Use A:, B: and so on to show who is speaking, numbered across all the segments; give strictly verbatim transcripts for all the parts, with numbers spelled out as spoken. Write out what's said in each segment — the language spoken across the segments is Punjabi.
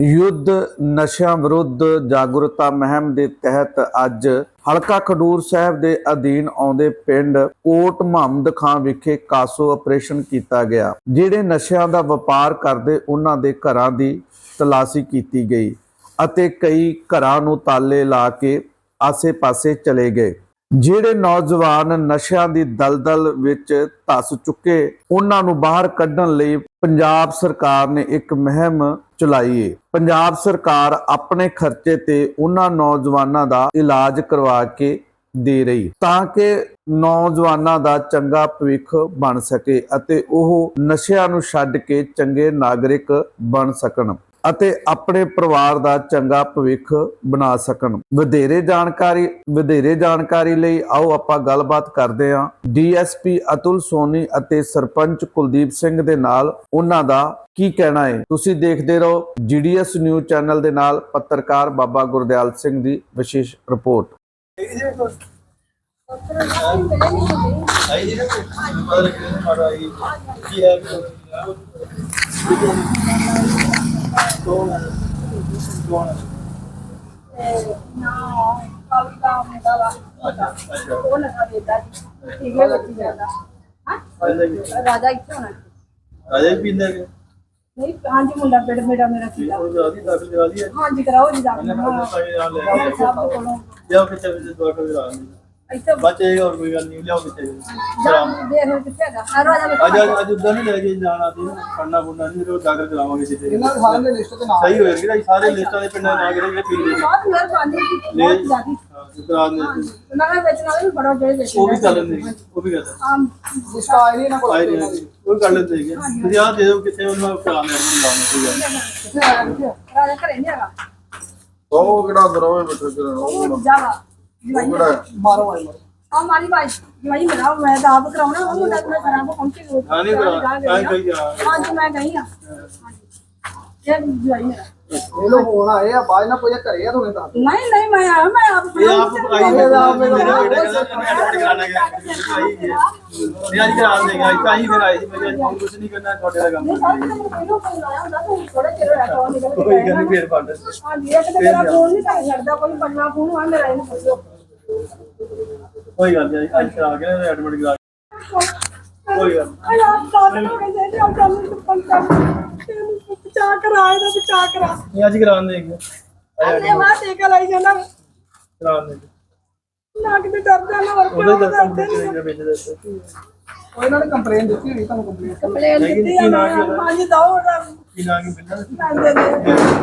A: युद्ध नशा विरुद्ध जागरूकता मुहिम के तहत अज हलका खडूर साहब के अधीन आउंदे पिंड कोट मुहम्मद खां विखे कासो ऑपरेशन किया गया। जिहड़े नशिਆਂ ਦਾ ਵਪਾਰ ਕਰਦੇ ਉਹਨਾਂ ਦੇ ਘਰਾਂ ਦੀ तलाशी की गई ਅਤੇ कई ਘਰਾਂ ਨੂੰ ਤਾਲੇ ਲਾ ਕੇ ਆਸੇ-ਪਾਸੇ ਚਲੇ ਗਏ। ਜਿਹੜੇ ਨੌਜਵਾਨ ਨਸ਼ਿਆਂ ਦੀ ਦਲਦਲ ਵਿੱਚ ਧਸ ਚੁੱਕੇ ਉਹਨਾਂ ਨੂੰ ਬਾਹਰ ਕੱਢਣ ਲਈ ਪੰਜਾਬ ਸਰਕਾਰ ਨੇ ਇੱਕ ਮੁਹਿੰਮ ਚਲਾਈ ਹੈ। ਪੰਜਾਬ ਸਰਕਾਰ ਆਪਣੇ ਖਰਚੇ ਤੇ ਉਹਨਾਂ ਨੌਜਵਾਨਾਂ ਦਾ ਇਲਾਜ ਕਰਵਾ ਕੇ ਦੇ ਰਹੀ ਤਾਂ ਕਿ ਨੌਜਵਾਨਾਂ ਦਾ ਚੰਗਾ ਭਵਿੱਖ ਬਣ ਸਕੇ ਅਤੇ ਉਹ ਨਸ਼ਿਆਂ ਨੂੰ ਛੱਡ ਕੇ ਚੰਗੇ ਨਾਗਰਿਕ ਬਣ ਸਕਣ ਅਤੇ ਆਪਣੇ ਪਰਿਵਾਰ ਦਾ ਚੰਗਾ ਭਵਿੱਖ ਬਣਾ ਸਕਣ। ਵਧੇਰੇ ਜਾਣਕਾਰੀ ਵਧੇਰੇ ਜਾਣਕਾਰੀ ਲਈ ਆਓ ਆਪਾਂ ਗੱਲਬਾਤ ਕਰਦੇ ਹਾਂ ਡੀਐਸਪੀ ਅਤੁਲ ਸੋਨੀ ਅਤੇ ਸਰਪੰਚ ਕੁਲਦੀਪ ਸਿੰਘ ਦੇ ਨਾਲ। ਉਹਨਾਂ ਦਾ ਕੀ ਕਹਿਣਾ ਹੈ ਤੁਸੀਂ ਦੇਖਦੇ ਰਹੋ ਜੀਡੀਐਸ ਨਿਊਜ਼ ਚੈਨਲ ਦੇ ਨਾਲ। ਪੱਤਰਕਾਰ ਬਾਬਾ ਗੁਰਦਿਆਲ ਸਿੰਘ ਦੀ ਵਿਸ਼ੇਸ਼ ਰਿਪੋਰਟ।
B: कौन कौन ना कल का मुंडा वा अच्छा वो लगा देता ठीक है बच्ची ज्यादा हां राजा इतना होना राजा भी पींदा है नहीं हां जी मुंडा पेड़ मेरा मेरा सीधा वो दादी दाखिल करा दिया हां जी कराओ जी दाखिल हां सब को जाओ कितने बजे दवा करा ऐसा बचेगा और कोई गल नहीं लियाओ कितने शाम देख कितने का हर रोज आज आज उधर नहीं लेके जाना थी पढ़ना पढ़ना नहीं रो जाकर करावांगे कितने इना सारे लिस्ट ते ना सही होएगा सारे लिस्टां दे पिंडां ना करे जे पी ले बहुत मेहरबानी ले जाती करा दे ना बेचने वाले भी बड़ा जोड़े बेचने वो भी कर लेंगे वो भी करता हां लिस्ट आई नहीं ना कोई वो कर लेते हैं तुम यार दे दो कितने उनमें कराने लाने कोई गल कितने आया कितने राजा करे नहीं आगा ओ केड़ा दरोवे बैठे करनो जावा मारो भाई हां मारी भाई भाई मेरा मैं तो आप कराऊं ना वो मैं खराब पहुंची वो हां नहीं करा मैं गई हां जी मैं गई हां ये भाई मेरा ये लोग होना है बाज ना कोई करे तो नहीं नहीं मैं आया मैं आप ये आप आई है आप मेरा बेटा कहना एडमिट कराना है आई है ये आज करा देगा ऐसा ही फिर आई मैं आज कुछ नहीं करना छोटे का काम थोड़ा चलो रखो निकल कोई नहीं फिर पड़ हां ये तो मेरा फोन नहीं कर सकता कोई पन्ना फोन है मेरा इन पूछो कोई गल नहीं आज आ गया एडमिट करा कोई गल नहीं आप साथ में कैसे आप काम पंचा बचा कर आए ना बचा कर ये आज करा देंगे अरे मां टेका लाई जाना करा देंगे ना कि डर जाना और उधर दर्शन करेंगे भेज देते और इन्होंने कंप्लेंट दी थी ਤੁਹਾਨੂੰ कंप्लेंट कंप्लेंट दी है ना पांच दो की ना की बिल्ला दे दे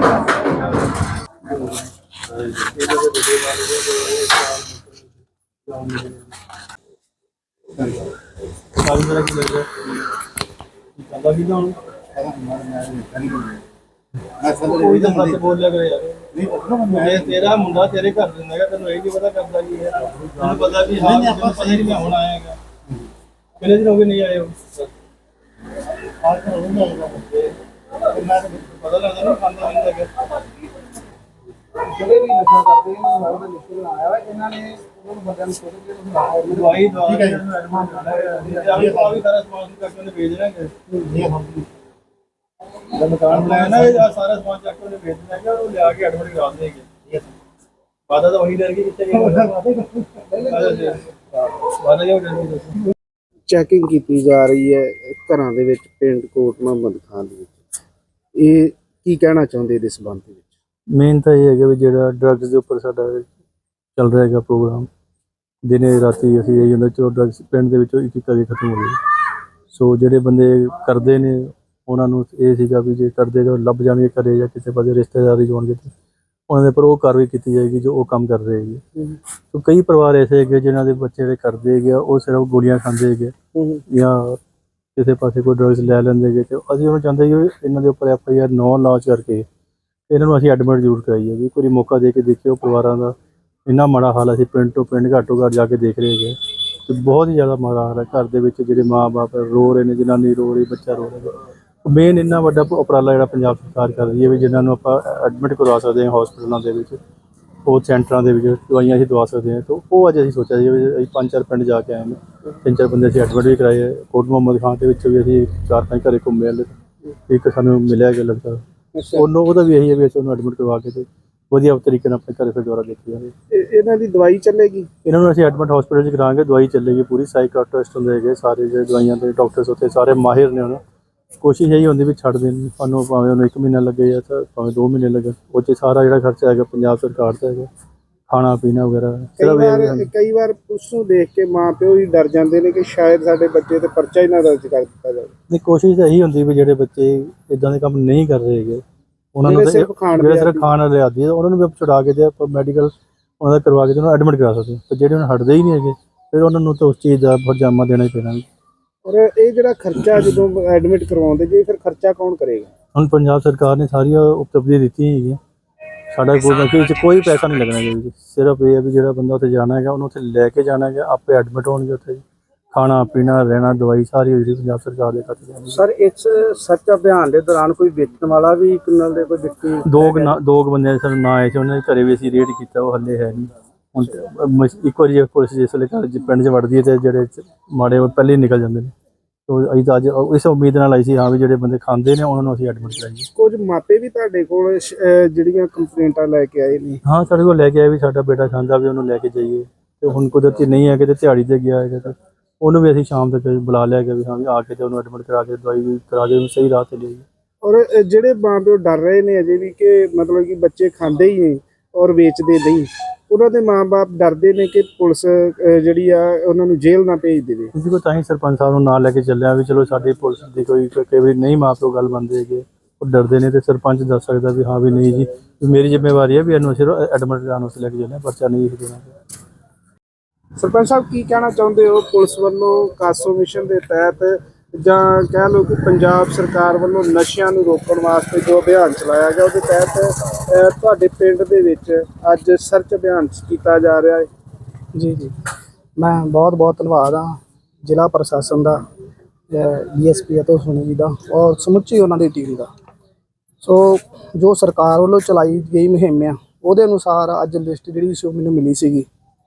B: सारी तरह की लग रहा है अल्लाह की जान कोई तो सच बोल लिया करे यार नहीं तेरा मुंडा तेरे घर दिंदा है तेनू ਇਹ ਕੀ ਪਤਾ ਕਰਦਾ ਕੀ ਹੈ ਤੈਨੂੰ ਪਤਾ ਵੀ ਹਾਂ ਤੈਨੂੰ ਪਤਾ ਨਹੀਂ ਮੈਂ ਹੁਣ ਆਏਗਾ ਕਿੰਨੇ ਦਿਨ ਹੋ ਗਏ ਨਹੀਂ ਆਏ ਹੋ ਆਜ ਤਾਂ ਹੁਣ ਆਉਂਦਾ ਮੈਂ ਪਤਾ ਲੱਗਦਾ ਨਹੀਂ ਖਾਂਦਾ ਨਹੀਂ ਲੱਗਾ ਜਿਹੜੇ ਵੀ ਨਸ਼ਾ ਕਰਦੇ ਇਹਨਾਂ ਨੂੰ ਉਹਦਾ ਲਿਖਣ ਆਇਆ ਵਾ ਇਹਨਾਂ ਨੇ ਉਹਨੂੰ ਬੰਦਿਆਂ ਨੂੰ ਸੋਚ ਕੇ ਤੁਸੀਂ ਦਵਾਈ ਦਵਾ ਠੀਕ ਹੈ ਜੀ ਆ ਵੀ ਸਾਰਾ ਸਮਾਨ ਚੱਕ ਕੇ ਭੇਜ ਰਹੇ ਨੇ जब मकान बनाया ना ये सारा सामान चक्कर में भेज देंगे और ले आके एडमिट करा देंगे वादा तो वही रहेगी कितने वादा क्या रहेगी।
C: ਚੈਕਿੰਗ ਕੀਤੀ ਜਾ ਰਹੀ ਹੈ ਘਰਾਂ ਦੇ ਵਿੱਚ ਪਿੰਡ ਕੋਟ ਮੁਹੰਮਦ ਖਾਂ ਦੇ ਵਿੱਚ ਇਹ ਕੀ ਕਹਿਣਾ ਚਾਹੁੰਦੇ ਇਹਦੇ ਸੰਬੰਧ ਵਿੱਚ?
D: ਮੇਨ ਤਾਂ ਇਹ ਹੈਗਾ ਵੀ ਜਿਹੜਾ ਡਰੱਗਸ ਦੇ ਉੱਪਰ ਸਾਡਾ ਚੱਲ ਰਿਹਾ ਹੈਗਾ ਪ੍ਰੋਗਰਾਮ ਦਿਨੇ ਰਾਤੀ ਅਸੀਂ ਇਹ ਹੁੰਦਾ ਚਲੋ ਡਰੱਗਸ ਪਿੰਡ ਦੇ ਵਿੱਚੋਂ ਇੱਕ ਇੱਕ ਕਰਕੇ ਖਤਮ ਹੋ ਗਏ। ਸੋ ਜਿਹੜੇ ਬੰਦੇ ਕਰਦੇ ਨੇ ਉਹਨਾਂ ਨੂੰ ਇਹ ਸੀਗਾ ਵੀ ਜੇ ਕਰਦੇ ਜੋ ਲੱਭ ਜਾਣਗੇ ਘਰੇ ਜਾਂ ਕਿਸੇ ਪਾਸੇ ਰਿਸ਼ਤੇਦਾਰੀ ਜਾਣਗੇ ਤਾਂ ਉਹਨਾਂ ਦੇ ਉੱਪਰ ਉਹ ਕਾਰਵਾਈ ਕੀਤੀ ਜਾਏਗੀ ਜੋ ਉਹ ਕੰਮ ਕਰ ਰਹੇ ਹੈਗੇ। ਸੋ ਕਈ ਪਰਿਵਾਰ ਐਸੇ ਹੈਗੇ ਜਿਨ੍ਹਾਂ ਦੇ ਬੱਚੇ ਜਿਹੜੇ ਕਰਦੇ ਹੈਗੇ ਉਹ ਸਿਰਫ ਗੋਲੀਆਂ ਖਾਂਦੇ ਹੈਗੇ ਜਾਂ ਕਿਸੇ ਪਾਸੇ ਕੋਈ ਡਰੱਗਸ ਲੈ ਲੈਂਦੇ ਹੈਗੇ ਅਤੇ ਅਸੀਂ ਉਹਨੂੰ ਚਾਹੁੰਦੇ ਕਿ ਇਹਨਾਂ ਦੇ ਉੱਪਰ ਐਫ ਆਈ ਆਰ ਨੌ ਲਾਂਚ ਕਰਕੇ ਇਹਨਾਂ ਨੂੰ ਅਸੀਂ ਐਡਮਿਟ ਜ਼ਰੂਰ ਕਰਾਈਏ ਵੀ ਕੋਈ ਮੌਕਾ ਦੇ ਕੇ ਦੇਖਿਓ ਪਰਿਵਾਰਾਂ ਦਾ ਇੰਨਾ ਮਾੜਾ ਹਾਲ ਅਸੀਂ ਪਿੰਡ ਤੋਂ ਪਿੰਡ ਘੱਟੋ ਘੱਟ ਜਾ ਕੇ ਦੇਖ ਰਹੇ ਹੈਗੇ ਅਤੇ ਬਹੁਤ ਹੀ ਜ਼ਿਆਦਾ ਮਾੜਾ ਹਾਲ ਹੈ। ਘਰ ਦੇ ਵਿੱਚ ਜਿਹੜੇ ਮਾਂ ਬਾਪ ਰੋ ਰਹੇ ਨੇ, ਜਨਾਨੀ ਰੋ ਰਹੀ, ਬੱਚਾ ਰੋ ਰਿਹਾ। ਮੇਨ ਇੰਨਾ ਵੱਡਾ ਉਪਰਾਲਾ ਜਿਹੜਾ ਪੰਜਾਬ ਸਰਕਾਰ ਕਰ ਰਹੀ ਹੈ ਵੀ ਜਿਨ੍ਹਾਂ ਨੂੰ ਆਪਾਂ ਐਡਮਿਟ ਕਰਵਾ ਸਕਦੇ ਹਾਂ ਹੌਸਪੀਟਲਾਂ ਦੇ ਵਿੱਚ, ਉਹ ਸੈਂਟਰਾਂ ਦੇ ਵਿੱਚ ਦਵਾਈਆਂ ਅਸੀਂ ਦਵਾ ਸਕਦੇ ਹਾਂ। ਤਾਂ ਉਹ ਅੱਜ ਅਸੀਂ ਸੋਚਿਆ ਸੀ ਵੀ ਅਸੀਂ ਪੰਜ ਚਾਰ ਪਿੰਡ ਜਾ ਕੇ ਆਏ ਨੇ, ਤਿੰਨ ਚਾਰ ਬੰਦੇ ਅਸੀਂ ਐਡਮਿਟ ਵੀ ਕਰਾਏ। ਕੋਟ ਮੁਹੰਮਦ ਖਾਂ ਦੇ ਵਿੱਚ ਵੀ ਅਸੀਂ ਚਾਰ ਪੰਜ ਘਰੇ ਘੁੰਮੇ ਹਲੇ, ਇੱਕ ਸਾਨੂੰ ਮਿਲਿਆ ਗਿਆ ਲੜਕਾ ਉਹਨੂੰ ਉਹਦਾ ਵੀ ਇਹੀ ਹੈ ਵੀ ਅਸੀਂ ਉਹਨੂੰ ਐਡਮਿਟ ਕਰਵਾ ਕੇ ਤੇ ਵਧੀਆ ਤਰੀਕੇ ਨਾਲ ਆਪਣੇ ਘਰੇ ਫਿਰ ਦੁਬਾਰਾ ਦੇਖੀ ਜਾਵੇ।
C: ਇਹ- ਇਹਨਾਂ ਦੀ ਦਵਾਈ ਚੱਲੇਗੀ?
D: ਇਹਨਾਂ ਨੂੰ ਅਸੀਂ ਐਡਮਿਟ ਹਸਪੀਟਲ 'ਚ ਕਰਾਂਗੇ, ਦਵਾਈ ਚੱਲੇਗੀ ਪੂਰੀ, ਸਾਈਕਾਟ੍ਰਿਸਟ ਹੁੰਦੇ ਹੈਗੇ ਸਾਰੇ ਜਿਹੜੇ ਦਵਾਈਆਂ ਦੇ ਡਾਕਟਰਸ ਉੱਥੇ ਸਾਰੇ ਮਾਹਿਰ ਨੇ। ਉਹਨਾਂ ਕੋਸ਼ਿਸ਼ ਇਹੀ ਹੁੰਦੀ ਵੀ ਛੱਡ ਦੇਣ ਸਾਨੂੰ, ਭਾਵੇਂ ਉਹਨੂੰ ਇੱਕ ਮਹੀਨਾ ਲੱਗੇ ਜਾਂ ਤਾਂ ਭਾਵੇਂ ਦੋ ਮਹੀਨੇ ਲੱਗੇ, ਉਹ 'ਚ ਸਾਰਾ ਜਿਹੜਾ ਖਰਚਾ ਹੈਗਾ ਪੰਜਾਬ ਸਰਕਾਰ ਦਾ ਹੈਗਾ, ਖਾਣਾ ਪੀਣਾ ਵਗੈਰਾ।
C: ਕਈ ਵਾਰ ਕਈ ਵਾਰ ਉਸ ਨੂੰ ਦੇਖ ਕੇ ਮਾਂ ਪਿਓ ਹੀ ਡਰ ਜਾਂਦੇ ਨੇ ਕਿ ਸ਼ਾਇਦ ਸਾਡੇ ਬੱਚੇ ਤੇ ਪਰਚਾ ਹੀ ਨਾ ਦਰਜ ਕਰ ਦਿੱਤਾ ਜਾਵੇ।
D: ਨਹੀਂ, ਕੋਸ਼ਿਸ਼ ਇਹੀ ਹੁੰਦੀ ਵੀ ਜਿਹੜੇ ਬੱਚੇ ਇਦਾਂ ਦੇ ਕੰਮ ਨਹੀਂ ਕਰ ਰਹੇ ਹੈਗੇ ਉਹਨਾਂ ਨੂੰ
C: ਜਿਹੜੇ ਸਿਰਫ ਖਾਣ
D: ਜਿਹੜੇ
C: ਦੇ
D: ਸਿਰਫ ਖਾਣ ਵਾਲੇ ਆਦੀ ਹੈ ਉਹਨਾਂ ਨੂੰ ਵੀ ਆਪਾਂ ਛੁਡਾ ਕੇ ਤੇ ਆਪਾਂ ਮੈਡੀਕਲ ਉਹਨਾਂ ਦਾ ਕਰਵਾ ਕੇ ਤੇ ਉਹਨਾਂ ਨੂੰ ਐਡਮਿਟ ਕਰਾ ਸਕਦੇ। ਤੇ ਜਿਹੜੇ ਹੁਣ ਹਟਦੇ ਹੀ ਨਹੀਂ ਹੈਗੇ ਫਿਰ ਉਹਨਾਂ ਨੂੰ ਤਾਂ ਉਸ ਚੀਜ਼ ਦਾ ਪਰਜਾਮਾ ਦੇਣਾ ਹੀ ਪੈਣਾ।
C: ਔਰ ਇਹ ਜਿਹੜਾ ਖਰਚਾ ਜਦੋਂ ਐਡਮਿਟ ਕਰਵਾਉਂਦੇ ਜੀ, ਫਿਰ ਖਰਚਾ ਕੌਣ ਕਰੇਗਾ?
D: ਹੁਣ ਪੰਜਾਬ ਸਰਕਾਰ ਨੇ ਸਾਰੀਆਂ ਉਪਲਬਧੀਆਂ ਦਿੱਤੀਆਂ ਹੈਗੀਆਂ, ਸਾਡਾ ਕੋਈ ਵਿੱਚ ਕੋਈ ਪੈਸਾ ਨਹੀਂ ਲੱਗਣਾ ਇਹਦੇ ਵਿੱਚ। ਸਿਰਫ ਇਹ ਹੈ ਵੀ ਜਿਹੜਾ ਬੰਦਾ ਉੱਥੇ ਜਾਣਾ ਹੈਗਾ ਉਹਨੂੰ ਉੱਥੇ ਲੈ ਕੇ ਜਾਣਾ ਹੈਗਾ, ਆਪੇ ਐਡਮਿਟ ਹੋਣਗੇ ਉੱਥੇ, ਖਾਣਾ ਪੀਣਾ ਰਹਿਣਾ ਦਵਾਈ ਸਾਰੀ ਜਿਹੜੀ ਪੰਜਾਬ ਸਰਕਾਰ ਦੇ ਖਾਤੇ ਜਾਂਦੀ।
C: ਸਰ, ਇਸ ਸਰਚ ਅਭਿਆਨ ਦੇ ਦੌਰਾਨ ਕੋਈ ਵੇਚਣ ਵਾਲਾ ਵੀ ਕਿੰਨਾਂ ਦੇ ਕੋਈ ਵਿਅਕਤੀ?
D: ਦੋ ਕੁ ਨਾ ਦੋ ਕੁ ਬੰਦੇ ਸਾਨੂੰ ਨਾ ਆਏ ਸੀ, ਉਹਨਾਂ ਦੇ ਘਰੇ ਵੀ ਅਸੀਂ ਰੇਡ ਕੀਤਾ, ਉਹ ਹੱਲੇ ਹੈ ਨਹੀਂ। ਹੁਣ ਤੇ ਮ- ਇੱਕ ਵਾਰੀ ਜੇ ਪੁਲਿਸ ਜਿਸ ਵੇਲੇ ਘਰ 'ਚ ਪਿੰਡ 'ਚ ਵੜਦੀ ਹੈ ਤੇ ਜਿਹੜੇ ਮਾੜੇ ਉਹ ਪਹਿਲੇ ਹੀ ਨਿਕਲ ਜਾਂਦੇ ਨੇ। ਤੋ ਅਸੀਂ ਤਾਂ ਅੱਜ ਇਸ ਉਮੀਦ ਨਾਲ ਆਈ ਸੀ ਹਾਂ ਵੀ ਜਿਹੜੇ ਬੰਦੇ ਖਾਂਦੇ ਨੇ ਉਹਨਾਂ ਨੂੰ ਅਸੀਂ ਐਡਮਿਟ ਕਰਾਈਏ।
C: ਕੁਝ ਮਾਪੇ ਵੀ ਤੁਹਾਡੇ ਕੋਲ ਸ਼- ਅਹ ਜਿਹੜੀਆਂ ਕੰਪਲੇਂਟਾਂ ਲੈ ਕੇ ਆਏ ਨੇ?
D: ਹਾਂ, ਸਾਡੇ ਕੋਲ ਲੈ ਕੇ ਆਏ ਵੀ ਸਾਡਾ ਬੇਟਾ ਖਾਂਦਾ ਵੀ ਉਹਨੂੰ ਲੈ ਕੇ ਜਾਈਏ, ਤੇ ਹੁਣ ਕੁਦਰਤੀ ਨਹੀਂ ਹੈ ਕਿਤੇ ਦਿਹਾੜੀ ਤੇ ਗਿਆ ਹੈਗਾ ਤੇ ਉਹਨੂੰ ਵੀ ਅਸੀਂ ਸ਼ਾਮ ਤੱਕ ਬੁਲਾ ਲਿਆ ਗਿਆ ਵੀ ਹਾਂ ਵੀ ਆ ਕੇ ਤੇ ਉਹਨੂੰ ਐਡਮਿਟ ਕਰਾ ਕੇ ਦਵਾਈ ਵੀ ਕਰਾ ਕੇ ਉਹਨੂੰ ਸਹੀ ਰਾਹ ਤੇ ਲਿਆਈਏ।
C: ਔਰ ਅਹ ਜਿਹੜੇ ਮਾਂ ਪਿਓ ਡਰ ਰਹੇ ਨੇ ਅਜੇ ਵੀ ਕਿ ਮਤਲਬ ਕਿ ਬੱਚੇ ਖਾਂਦੇ ਹੀ ਨੇ ਔਰ ਵੇਚਦੇ ਨਹੀਂ, ਉਹਨਾਂ ਦੇ ਮਾਂ-ਬਾਪ ਡਰਦੇ ਨੇ ਕਿ ਪੁਲਿਸ ਅਹ ਜਿਹੜੀ ਆ ਉਹਨਾਂ ਨੂੰ ਜੇਲ੍ਹ ਨਾ ਭੇਜ ਦੇਵੇ।
D: ਕਿਸੇ ਕੋਲ ਤਾਂ ਹੀ ਸਰਪੰਚ ਸਾਹਿਬ ਨੂੰ ਨਾਲ ਲੈ ਕੇ ਚੱਲਿਆ ਵੀ ਚਲੋ ਸਾਡੀ ਪੁਲਿਸ ਦੀ ਕੋਈ ਕਈ ਵਾਰੀ ਨਹੀਂ ਮਾਂ ਪਿਓ ਗੱਲ ਮੰਨਦੇ ਹੈਗੇ, ਉਹ ਡਰਦੇ ਨੇ ਤੇ ਸਰਪੰਚ ਦੱਸ ਸਕਦਾ ਵੀ ਹਾਂ ਵੀ ਨਹੀਂ ਜੀ ਵੀ ਮੇਰੀ ਜ਼ਿੰਮੇਵਾਰੀ ਹੈ ਵੀ ਇਹਨੂੰ ਸਿਰਫ ਐਡਮਿਟ ਕਰਾਉਣ ਵਾਸਤੇ ਲੈ ਕੇ ਚੱਲਿਆ, ਪਰਚਾ ਨਹੀਂ ਇਹ ਦੇਣਾ।
C: ਸਰਪੰਚ ਸਾਹਿਬ, ਕੀ ਕਹਿਣਾ ਚਾਹੁੰਦੇ ਹੋ? ਪੁਲਿਸ ਵੱਲੋਂ ਕਾਸੋ ਮਿਸ਼ਨ ਦੇ ਤਹਿਤ ਜਾਂ ਕਹਿ ਲਓ ਕਿ ਪੰਜਾਬ ਸਰਕਾਰ ਵੱਲੋਂ ਨਸ਼ਿਆਂ ਨੂੰ ਰੋਕਣ ਵਾਸਤੇ ਜੋ ਅਭਿਆਨ ਚਲਾਇਆ ਗਿਆ, ਉਹਦੇ ਤਹਿਤ ਅਹ, ਤੁਹਾਡੇ ਪਿੰਡ ਦੇ ਵਿੱਚ ਅੱਜ ਸਰਚ ਅਭਿਆਨ ਕੀਤਾ ਜਾ ਰਿਹਾ ਹੈ।
E: ਜੀ ਜੀ ਮੈਂ ਬਹੁਤ ਬਹੁਤ ਧੰਨਵਾਦ ਹਾਂ ਜ਼ਿਲ੍ਹਾ ਪ੍ਰਸ਼ਾਸਨ ਦਾ, ਡੀਐਸਪੀ ਅਤੁਲ ਸੋਨੀ ਜੀ ਦਾ ਔਰ ਸਮੁੱਚੀ ਉਹਨਾਂ ਦੀ ਟੀਮ ਦਾ। ਸੋ ਜੋ ਸਰਕਾਰ ਵੱਲੋਂ ਚਲਾਈ ਗਈ ਮੁਹਿੰਮ ਆ ਉਹਦੇ ਅਨੁਸਾਰ ਅੱਜ ਲਿਸਟ ਜਿਹੜੀ ਸੀ ਉਹ ਮੈਨੂੰ ਮਿਲੀ ਸੀਗੀ,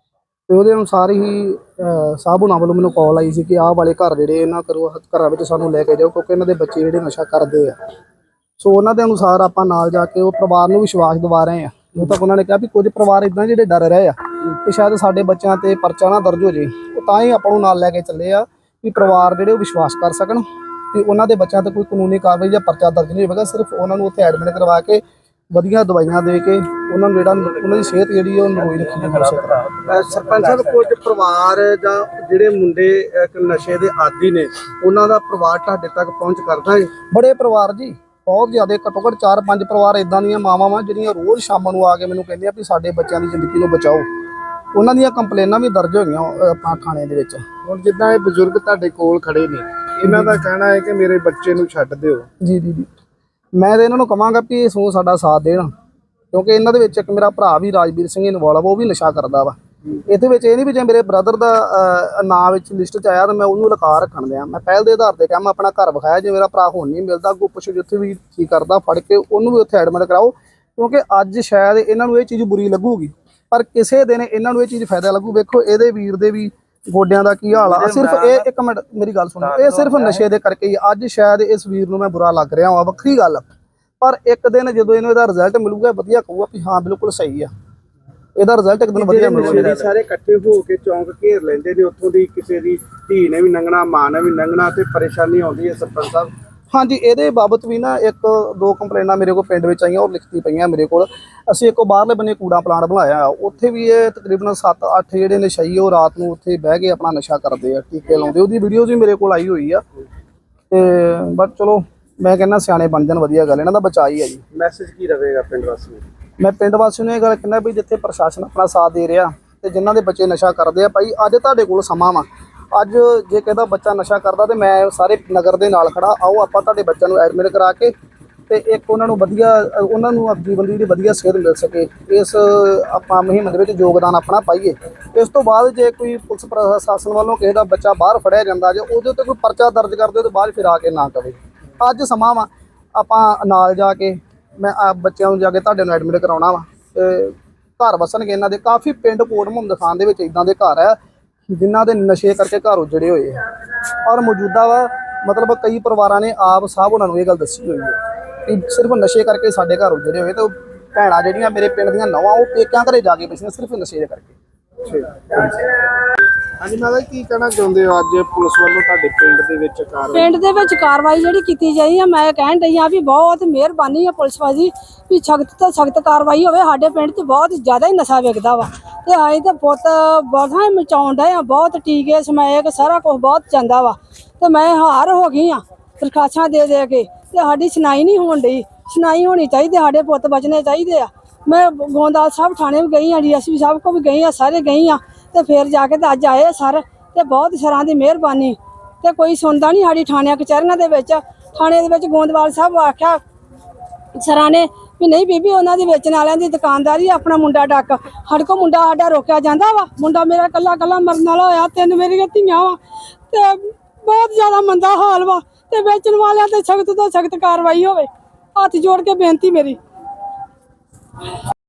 E: ਤੇ ਉਹਦੇ ਅਨੁਸਾਰ ਹੀ ਸਾਹਿਬ ਹੁਣਾਂ ਵੱਲੋਂ ਮੈਨੂੰ ਕਾਲ ਆਈ ਸੀ ਕਿ ਆਹ ਵਾਲੇ ਘਰ ਜਿਹੜੇ ਇਹਨਾਂ ਕਰੋ ਘਰਾਂ ਵਿੱਚ ਸਾਨੂੰ ਲੈ ਕੇ ਜਾਓ ਕਿਉਂਕਿ ਇਹਨਾਂ ਦੇ ਬੱਚੇ ਜਿਹੜੇ ਨਸ਼ਾ ਕਰਦੇ ਆ। ਸੋ ਉਹਨਾਂ ਦੇ ਅਨੁਸਾਰ ਆਪਾਂ ਨਾਲ ਜਾ ਕੇ ਉਹ ਪਰਿਵਾਰ ਨੂੰ ਵਿਸ਼ਵਾਸ ਦਿਵਾ ਰਹੇ ਆ। ਜਦੋਂ ਤੱਕ ਉਹਨਾਂ ਨੇ ਕਿਹਾ ਵੀ ਕੁਝ ਪਰਿਵਾਰ ਇਦਾਂ ਜਿਹੜੇ ਡਰ ਰਹੇ ਆ ਕਿ ਸ਼ਾਇਦ ਸਾਡੇ ਬੱਚਿਆਂ ਤੇ ਪਰਚਾ ਨਾ ਦਰਜ ਹੋ ਜੇ, ਉਹ ਤਾਂ ਹੀ ਆਪਾਂ ਨੂੰ ਨਾਲ ਲੈ ਕੇ ਚੱਲੇ ਆ ਵੀ ਪਰਿਵਾਰ ਜਿਹੜੇ ਉਹ ਵਿਸ਼ਵਾਸ ਕਰ ਸਕਣ ਤੇ ਉਹਨਾਂ ਦੇ ਬੱਚਿਆਂ ਤੇ ਕੋਈ ਕਾਨੂੰਨੀ ਕਾਰਵਾਈ ਜਾਂ ਪਰਚਾ ਦਰਜ ਨਹੀਂ ਹੋਵੇਗਾ। ਸਿਰਫ ਉਹਨਾਂ ਨੂੰ ਉੱਥੇ ਐਡਮਿਟ ਕਰਵਾ ਕੇ ਵਧੀਆ ਦਵਾਈਆਂ ਦੇ ਕੇ ਉਹਨਾਂ ਨੂੰ ਜਿਹੜਾ ਉਹਨਾਂ ਦੀ ਸਿਹਤ ਜਿਹੜੀ ਉਹ ਨਰੋਈ ਰੱਖੀ ਜਾ ਸਕਦਾ।
C: ਸਰਪੰਚ ਸਾਹਿਬ, ਕੁਝ ਪਰਿਵਾਰ ਜਾਂ ਜਿਹੜੇ ਮੁੰਡੇ ਇੱਕ ਨਸ਼ੇ ਦੇ ਆਦੀ ਨੇ ਉਹਨਾਂ ਦਾ ਪਰਿਵਾਰ ਤੁਹਾਡੇ ਤੱਕ ਪਹੁੰਚ ਕਰਦਾ ਹੈ?
E: ਬੜੇ ਪਰਿਵਾਰ ਜੀ, ਬਹੁਤ ਜ਼ਿਆਦਾ, ਘੱਟੋ ਘੱਟ ਚਾਰ ਪੰਜ ਪਰਿਵਾਰ ਇਦਾਂ ਦੀਆਂ ਮਾਵਾਂ ਵਾ ਜਿਹੜੀਆਂ ਰੋਜ਼ ਸ਼ਾਮ ਨੂੰ ਆ ਕੇ ਮੈਨੂੰ ਕਹਿੰਦੀਆਂ ਵੀ ਸਾਡੇ ਬੱਚਿਆਂ ਦੀ ਜ਼ਿੰਦਗੀ ਨੂੰ ਬਚਾਓ। ਉਹਨਾਂ ਦੀਆਂ ਕੰਪਲੇਨਾਂ ਵੀ ਦਰਜ ਹੋਈਆਂ ਆਪਾਂ ਥਾਣੇ ਦੇ ਵਿੱਚ।
C: ਹੁਣ ਜਿੱਦਾਂ ਇਹ ਬਜ਼ੁਰਗ ਤੁਹਾਡੇ ਕੋਲ ਖੜੇ ਨੇ, ਇਹਨਾਂ ਦਾ ਕਹਿਣਾ ਹੈ ਕਿ ਮੇਰੇ ਬੱਚੇ ਨੂੰ ਛੱਡ ਦਿਓ।
E: ਜੀ ਜੀ ਜੀ ਮੈਂ ਤਾਂ ਇਹਨਾਂ ਨੂੰ ਕਹਾਂਗਾ ਵੀ ਇਹ ਸੋ ਸਾਡਾ ਸਾਥ ਦੇਣ, ਕਿਉਂਕਿ ਇਹਨਾਂ ਦੇ ਵਿੱਚ ਇੱਕ ਮੇਰਾ ਭਰਾ ਵੀ ਰਾਜਵੀਰ ਸਿੰਘ ਇਨਵੋਲਵ, ਉਹ ਵੀ ਨਸ਼ਾ ਕਰਦਾ ਵਾ। ਇਹਦੇ ਵਿੱਚ ਇਹ ਨਹੀਂ ਵੀ ਜੇ ਮੇਰੇ ਬ੍ਰਦਰ ਦਾ ਨਾਂ ਵਿੱਚ ਲਿਸਟ 'ਚ ਆਇਆ ਤਾਂ ਮੈਂ ਉਹਨੂੰ ਲਕਾ ਰੱਖਣ ਦਿਆਂ। ਮੈਂ ਪਹਿਲ ਦੇ ਆਧਾਰ ਤੇ ਕਿਹਾ ਮੈਂ ਆਪਣਾ ਘਰ ਵਿਖਾਇਆ, ਜੇ ਮੇਰਾ ਭਰਾ ਹੁਣ ਨਹੀਂ ਮਿਲਦਾ ਅੱਗੋਂ ਪੁੱਛੋ ਜਿੱਥੇ ਵੀ ਕੀ ਕਰਦਾ ਫੜ ਕੇ ਉਹਨੂੰ ਵੀ ਉੱਥੇ ਐਡਮਿਟ ਕਰਾਓ, ਕਿਉਂਕਿ ਅੱਜ ਸ਼ਾਇਦ ਇਹਨਾਂ ਨੂੰ ਇਹ ਚੀਜ਼ ਬੁਰੀ ਲੱਗੂਗੀ ਪਰ ਕਿਸੇ ਦਿਨ ਇਹਨਾਂ ਨੂੰ ਇਹ ਚੀਜ਼ ਫਾਇਦਾ ਲੱਗੂ। ਵੇਖੋ ਇਹਦੇ ਵੀਰ ਦੇ ਵੀ ਗੋਡਿਆਂ ਦਾ ਕੀ ਹਾਲ ਆ, ਸਿਰਫ ਇਹ ਇੱਕ ਮਿੰਟ ਮੇਰੀ ਗੱਲ ਸੁਣੋ, ਇਹ ਸਿਰਫ ਨਸ਼ੇ ਦੇ ਕਰਕੇ ਹੀ ਅੱਜ ਸ਼ਾਇਦ ਇਸ ਵੀਰ ਨੂੰ ਮੈਂ ਬੁਰਾ ਲੱਗ ਰਿਹਾ ਹਾਂ, ਵੱਖਰੀ ਗੱਲ, ਪਰ ਇੱਕ ਦਿਨ ਜਦੋਂ ਇਹਨੂੰ ਇਹਦਾ ਰਿਜ਼ਲਟ ਮਿਲੂਗਾ ਵਧੀਆ ਕਹੂਗਾ ਵੀ ਹਾਂ ਬਿਲਕੁਲ ਸਹੀ ਆ, ਇਹਦਾ ਰਿਜ਼ਲਟ ਇੱਕ ਦਿਨ ਵਧੀਆ ਮਿਲੂਗਾ।
C: ਸਾਰੇ ਇਕੱਠੇ ਹੋ ਕੇ ਚੌਂਕ ਘੇਰ ਲੈਂਦੇ ਨੇ, ਉੱਥੋਂ ਦੀ ਕਿਸੇ ਦੀ ਧੀ ਨੇ ਵੀ ਲੰਘਣਾ, ਮਾਂ ਨੇ ਵੀ ਲੰਘਣਾ ਤੇ ਪਰੇਸ਼ਾਨੀ ਆਉਂਦੀ ਹੈ ਸਰਪੰਚ ਸਾਹਿਬ।
E: ਹਾਂਜੀ, ਇਹਦੇ ਬਾਬਤ ਵੀ ਨਾ ਇੱਕ ਦੋ ਕੰਪਲੇਨਾਂ ਮੇਰੇ ਕੋਲ ਪਿੰਡ ਵਿੱਚ ਆਈਆਂ ਔਰ ਲਿਖਤੀ ਪਈਆਂ ਮੇਰੇ ਕੋਲ। ਅਸੀਂ ਇੱਕ ਬਾਹਰਲੇ ਬੰਨੇ ਕੂੜਾ ਪਲਾਂਟ ਬਣਾਇਆ, ਉੱਥੇ ਵੀ ਇਹ ਤਕਰੀਬਨ ਸੱਤ ਅੱਠ ਜਿਹੜੇ ਨਸ਼ਈ ਉਹ ਰਾਤ ਨੂੰ ਉੱਥੇ ਬਹਿ ਕੇ ਆਪਣਾ ਨਸ਼ਾ ਕਰਦੇ ਆ, ਟੀਕੇ ਲਾਉਂਦੇ, ਉਹਦੀ ਵੀਡੀਓਜ਼ ਵੀ ਮੇਰੇ ਕੋਲ ਆਈ ਹੋਈ ਆ। ਤੇ ਬਟ ਚਲੋ ਮੈਂ ਕਹਿੰਦਾ ਸਿਆਣੇ ਬਣ ਜਾਣ, ਵਧੀਆ ਗੱਲ, ਇਹਨਾਂ ਦਾ ਬਚਾਅ ਹੀ ਹੈ ਜੀ।
C: ਮੈਸੇਜ ਕੀ ਰਹੇਗਾ ਪਿੰਡ ਵਾਸੀਆਂ ਨੂੰ?
E: ਮੈਂ ਪਿੰਡ ਵਾਸੀਆਂ ਨੂੰ ਇਹ ਗੱਲ ਕਹਿੰਦਾ ਵੀ ਜਿੱਥੇ ਪ੍ਰਸ਼ਾਸਨ ਆਪਣਾ ਸਾਥ ਦੇ ਰਿਹਾ ਤੇ ਜਿਨ੍ਹਾਂ ਦੇ ਬੱਚੇ ਨਸ਼ਾ ਕਰਦੇ ਆ, ਭਾਈ ਅੱਜ ਤੁਹਾਡੇ ਕੋਲ ਸਮਾਂ ਵਾ। ਅੱਜ ਜੇ ਕਹਿੰਦਾ ਬੱਚਾ ਨਸ਼ਾ ਕਰਦਾ ਤੇ ਮੈਂ ਸਾਰੇ ਨਗਰ ਦੇ ਨਾਲ ਖੜਾ, ਆਓ ਆਪਾਂ ਤੁਹਾਡੇ ਬੱਚਿਆਂ ਨੂੰ ਐਡਮਿਟ ਕਰਾ ਕੇ ਤੇ ਇੱਕ ਉਹਨਾਂ ਨੂੰ ਵਧੀਆ ਉਹਨਾਂ ਨੂੰ ਆਪਣੀ ਬੰਦੀ ਦੀ ਵਧੀਆ ਸਿਹਤ ਮਿਲ ਸਕੇ, ਇਸ ਆਪਾਂ ਮੁਹਿੰਮ ਦੇ ਵਿੱਚ ਯੋਗਦਾਨ ਆਪਣਾ ਪਾਈਏ। ਇਸ ਤੋਂ ਬਾਅਦ ਜੇ ਕੋਈ ਪੁਲਿਸ ਪ੍ਰਸ਼ਾਸਨ ਵੱਲੋਂ ਕਿਸੇ ਦਾ ਬੱਚਾ ਬਾਹਰ ਫੜਿਆ ਜਾਂਦਾ ਜੇ ਉਹਦੇ ਉੱਤੇ ਕੋਈ ਪਰਚਾ ਦਰਜ ਕਰਦੇ ਹੋ ਤਾਂ ਬਾਅਦ ਫਿਰ ਆ ਕੇ ਨਾ ਕਵੇ। ਅੱਜ ਸਮਾਂ ਵਾ ਆਪਾਂ ਨਾਲ ਜਾ ਕੇ ਮੈਂ ਆ ਬੱਚਿਆਂ ਨੂੰ ਜਾ ਕੇ ਤੁਹਾਡੇ ਨੂੰ ਐਡਮਿਟ ਕਰਾਉਣਾ ਵਾ ਤੇ ਘਰ ਵਸਣਗੇ ਇਹਨਾਂ ਦੇ। ਕਾਫੀ ਪਿੰਡ ਕੋਟ ਮੁਹੰਮਦ ਖਾਨ ਦੇ ਵਿੱਚ ਇਦਾਂ ਦੇ ਘਰ ਆ ਜਿਨ੍ਹਾਂ ਦੇ ਨਸ਼ੇ ਕਰਕੇ ਘਰ ਉਜੜੇ ਹੋਏ ਆ ਔਰ ਮੌਜੂਦਾ ਵਾ ਮਤਲਬ ਕਈ ਪਰਿਵਾਰਾਂ ਨੇ ਆਪ ਸਾਹਿਬ ਉਹਨਾਂ ਨੂੰ ਇਹ ਗੱਲ ਦੱਸੀ ਹੋਈ ਹੈ। ਕਿ ਸਿਰਫ ਨਸ਼ੇ ਕਰਕੇ ਸਾਡੇ ਘਰ ਉਜੜੇ ਹੋਏ ਤੇ ਉਹ ਭੈਣਾਂ ਜਿਹੜੀਆਂ ਮੇਰੇ ਪਿੰਡ ਦੀਆਂ ਨੌਵਾਂ ਉਹ ਪੇਕਿਆਂ ਘਰੇ ਜਾ ਕੇ ਬੈਠੀਆਂ ਸਿਰਫ ਨਸ਼ੇ ਦੇ ਕਰਕੇ।
C: ਹਾਂਜੀ ਮਾਤਾ ਜੀ, ਕੀ ਕਹਿਣਾ ਚਾਹੁੰਦੇ ਹੋ ਅੱਜ ਪੁਲਿਸ ਵੱਲੋਂ ਤੁਹਾਡੇ ਪਿੰਡ ਦੇ ਵਿੱਚ ਕਾਰਵਾਈ?
B: ਪਿੰਡ ਦੇ ਵਿੱਚ ਕਾਰਵਾਈ ਜਿਹੜੀ ਕੀਤੀ ਜਾਈ ਆ, ਮੈਂ ਕਹਿਣ ਡਈ ਆ ਵੀ ਬਹੁਤ ਮਿਹਰਬਾਨੀ ਆ ਪੁਲਿਸ ਵਾਲੀ ਵੀ ਸਖਤ ਤੋਂ ਸਖਤ ਕਾਰਵਾਈ ਹੋਵੇ। ਸਾਡੇ ਪਿੰਡ 'ਚ ਬਹੁਤ ਜ਼ਿਆਦਾ ਹੀ ਨਸ਼ਾ ਵਿਕਦਾ ਵਾ ਤੇ ਅਸੀਂ ਤੇ ਪੁੱਤ ਬਹੁਤ ਮਚਾਉਣ ਡਏ ਆ, ਬਹੁਤ ਟੀਕੇ ਸਮੈਕ ਸਾਰਾ ਕੁਝ ਬਹੁਤ ਜਾਂਦਾ ਵਾ ਤੇ ਮੈਂ ਹਾਰ ਹੋ ਗਈ ਆ ਦਰਖਾਸਤਾਂ ਦੇ ਦੇ ਕੇ ਤੇ ਸਾਡੀ ਸੁਣਾਈ ਨਹੀਂ ਹੋਣ ਡਈ। ਸੁਣਾਈ ਹੋਣੀ ਚਾਹੀਦੀ, ਸਾਡੇ ਪੁੱਤ ਬਚਣੇ ਚਾਹੀਦੇ ਆ। ਮੈਂ ਗੋਂਦਾਲ ਸਾਹਿਬ ਥਾਣੇ ਵੀ ਗਈ ਆ, ਡੀਐਸਪੀ ਸਾਹਿਬ ਕੋਲ ਵੀ ਗਈ ਆ, ਸਾਰੇ ਗਈ ਆ ਤੇ ਫਿਰ ਜਾ ਕੇ ਤੇ ਅੱਜ ਆਏ ਸਰ ਤੇ ਬਹੁਤ ਸਰਾਂ ਦੀ ਮਿਹਰਬਾਨੀ ਤੇ ਕੋਈ ਸੁਣਦਾ ਨਹੀਂ ਸਾਡੀ ਥਾਣਿਆਂ ਕਚਹਿਰੀਆਂ ਦੇ ਵਿੱਚ। ਥਾਣੇ ਦੇ ਵਿੱਚ ਗੋਂਦਵਾਲ ਸਾਹਿਬ ਆਖਿਆ ਸਰਾਂ ਨੇ ਵੀ ਨਹੀਂ ਬੀਬੀ ਉਹਨਾਂ ਦੀ ਵੇਚਣ ਵਾਲਿਆਂ ਦੀ ਦੁਕਾਨਦਾਰੀ ਆਪਣਾ ਮੁੰਡਾ ਡੱਕ। ਸਾਡੇ ਕੋਲ ਮੁੰਡਾ ਸਾਡਾ ਰੋਕਿਆ ਜਾਂਦਾ ਵਾ। ਮੁੰਡਾ ਮੇਰਾ ਕੱਲਾ ਕੱਲਾ ਮਰਨ ਵਾਲਾ ਹੋਇਆ, ਤਿੰਨ ਮੇਰੀਆਂ ਧੀਆਂ ਵਾ ਤੇ ਬਹੁਤ ਜ਼ਿਆਦਾ ਮੰਦਾ ਹਾਲ ਵਾ ਤੇ ਵੇਚਣ ਵਾਲਿਆਂ ਤੇ ਸਖਤ ਤੋਂ ਸਖਤ ਕਾਰਵਾਈ ਹੋਵੇ। ਹੱਥ ਜੋੜ ਕੇ ਬੇਨਤੀ ਮੇਰੀ।